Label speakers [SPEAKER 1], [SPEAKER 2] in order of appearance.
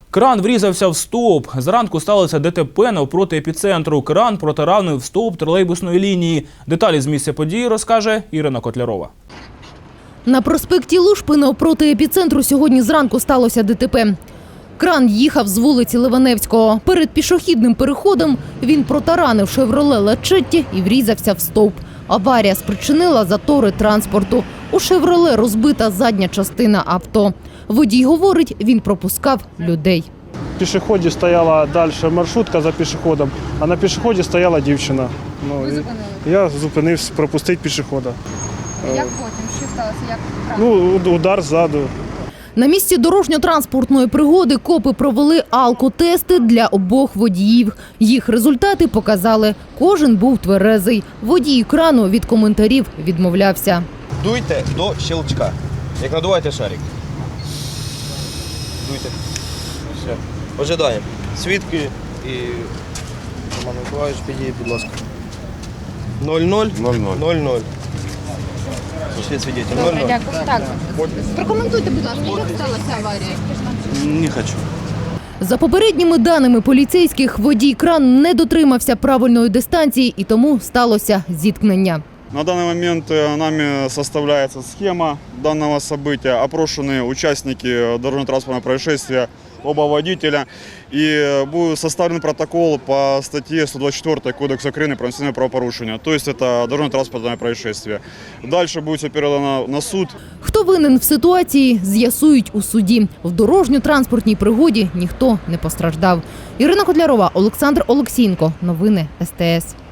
[SPEAKER 1] Кран врізався в стовп. Зранку сталося ДТП навпроти епіцентру. Кран протаранив стовп тролейбусної лінії. Деталі з місця події розкаже Ірина Котлярова.
[SPEAKER 2] На проспекті Лушпи навпроти епіцентру сьогодні зранку сталося ДТП. Кран їхав з вулиці Ливаневського. Перед пішохідним переходом він протаранив «Шевроле Лачетті» і врізався в стовп. Аварія спричинила затори транспорту. У «Шевроле» розбита задня частина авто. Водій говорить, він пропускав людей.
[SPEAKER 3] В пішоході стояла далі маршрутка за пішоходом, а на пішоході стояла дівчина.
[SPEAKER 4] Ви зупинили?
[SPEAKER 3] Я зупинився пропустити пішохода.
[SPEAKER 4] Як потім? Що сталося?
[SPEAKER 3] Удар ззаду.
[SPEAKER 2] На місці дорожньо-транспортної пригоди копи провели алкотести для обох водіїв. Їх результати показали. Кожен був тверезий. Водій крану від коментарів відмовлявся.
[SPEAKER 5] Дуйте до щелчка. Як надуваєте шарик. Дуйте. Все. Ожидаємо. Свідки і Роман Миколаївич, підійдіть, будь ласка. 0-0. 0-0. Пішли свідетель. 0-0.
[SPEAKER 4] Дякую. Так. Прокоментуйте, будь ласка, як сталася аварія?
[SPEAKER 5] Не хочу.
[SPEAKER 2] За попередніми даними поліцейських, водій кран не дотримався правильної дистанції і тому сталося зіткнення.
[SPEAKER 6] На данный момент нами составляется схема данного события. Опрошены участники дорожно-транспортного происшествия, оба водителя. И будет составлен протокол по статье 124 Кодекса Украины про административное правопорушение. То есть это дорожно-транспортное происшествие. Дальше будет все передано на суд.
[SPEAKER 2] Хто винен в ситуації, з'ясують у суді. В дорожньо-транспортній пригоді ніхто не постраждав. Ірина Котлярова, Олександр Олексієнко. Новини СТС.